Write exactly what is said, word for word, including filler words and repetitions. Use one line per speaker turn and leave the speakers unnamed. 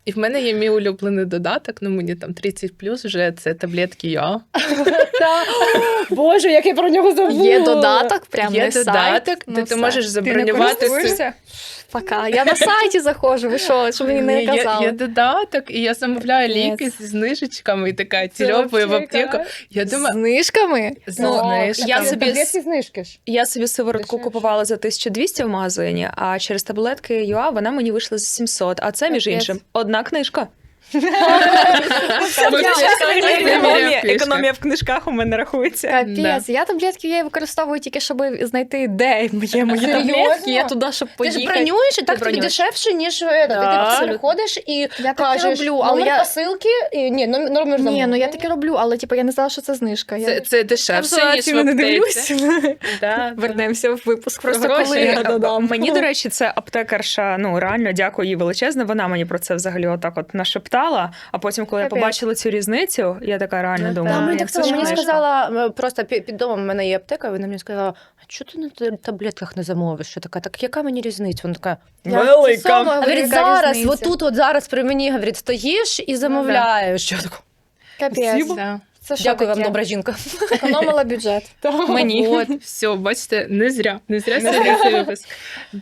І в мене є мій улюблений додаток, ну мені там тридцять плюс вже, це таблетки Йоа.
Боже, як я про нього забула.
Є додаток, прям
Є
на сайт.
додаток, де
Ну,
ти
все.
можеш забронювати.
користуєшся?
Пока. Я на сайті заходжу, ви що, що мені не
Є,
казали?
є додаток, і я замовляю
Ні.
ліки зі знижечками, і така
Це
тільопаю в
вообще
аптеку.
кайф.
Я
З
думаю,
знижками?
з
Ну,
знижками.
я собі
Таблетки знижки ж.
Я собі сиворотку
Дешевше.
купувала за тисячу двісті в магазині, а через таблетки ЮА вона мені вийшла за сімсот. А це, між
Капець.
іншим, одна книжка.
Економія
Економія,
в книжках.
економія в книжках у мене рахується.
Капець, я таблетки я використовую тільки, щоб знайти, де моє мої
Серйозно?
таблетки. Я туди, щоб
Ти ж
поїхати.
бронюєш, і так тобі
бронюєш.
дешевше, ніж е,
Да.
ти типу переходиш і
Я таке
кажеш
роблю, але
номер
я...
посилки, і, ні, номер, номер
Ні,
замовлення.
ну я таке роблю, але типу, я не знала, що це знижка.
Це,
Я...
це дешевше,
Я
ніж в
не
аптеці.
дивлюсь.
Да.
Вернемося в випуск про
Просто
гроші.
коли
я додам.
мені, до речі, це аптекарша, ну реально дякую їй величезне. Вона мені про це взагалі отак от нашептала. А потім, коли я
Капець.
побачила цю різницю, я така реально
Ну,
думаю,
Та,
А,
мені
як
так
це
само,
ж
мені
книжка.
сказала, е, просто під, під домом в мене є аптека, вона мені сказала, а чого ти на т- таблетках не замовиш? Я така, так яка мені різниця? Вона така,
Я
Велика.
це сама говорю,
говорить,
яка
зараз,
різниця?
отут, от зараз при мені, говорить, стоїш і замовляєш. Що таке?
Капець.
Да.
Це що
Дякую вам,
таке?
добра жінка.
Економила бюджет. Мені.
От, все, бачите, не зря. Не зря сьогодні цей випуск.